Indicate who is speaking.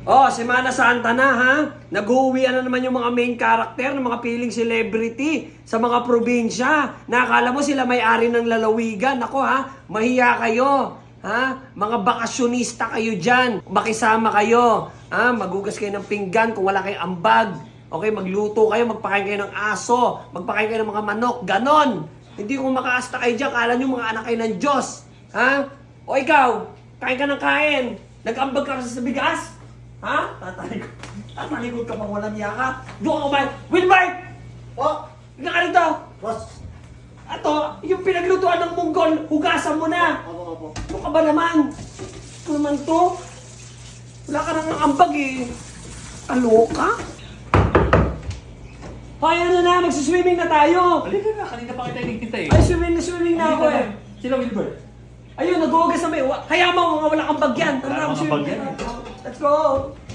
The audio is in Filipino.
Speaker 1: Oh, Semana Santa na ha. Nag-uwian na naman yung mga main character ng mga piling celebrity sa mga probinsya. Nakakala mo sila may-ari ng lalawigan. Ako ha, mahiya kayo. Ha? Mga bakasyonista kayo dyan. Makisama kayo. Ha? Magugas kayo ng pinggan kung wala kayong ambag. Okay, magluto kayo, magpakain kayo ng aso, magpakain kayo ng mga manok, ganon. Hindi kung makaasta kayo dyan, kala nyo mga anak kayo ng Diyos. Ha? O ikaw, kain ka ng kain. Nag-ambag ka kasi sa bigas? Ha? Tatalikod ka pang walang yaka. Doon ka kumain. Wilbert! O, hindi ka rito.
Speaker 2: Boss!
Speaker 1: Ato, yung pinaglutuan ng munggol, hugasan mo na.
Speaker 2: Opo.
Speaker 1: Ano ka ba naman? Ano naman to? Wala ka nang ambag eh. Aloka? Hoy, ano na, magsiswimming na tayo.
Speaker 3: Halika na, kanina pa kita hinihintay.
Speaker 1: Ay, swimming na ako
Speaker 3: Halika
Speaker 1: eh.
Speaker 3: Sila Wilbert.
Speaker 1: Ayun, nag-uugas na may... Kaya mo, mga walang ambag yan.
Speaker 3: Wala namang ambag yan.
Speaker 1: Let's go.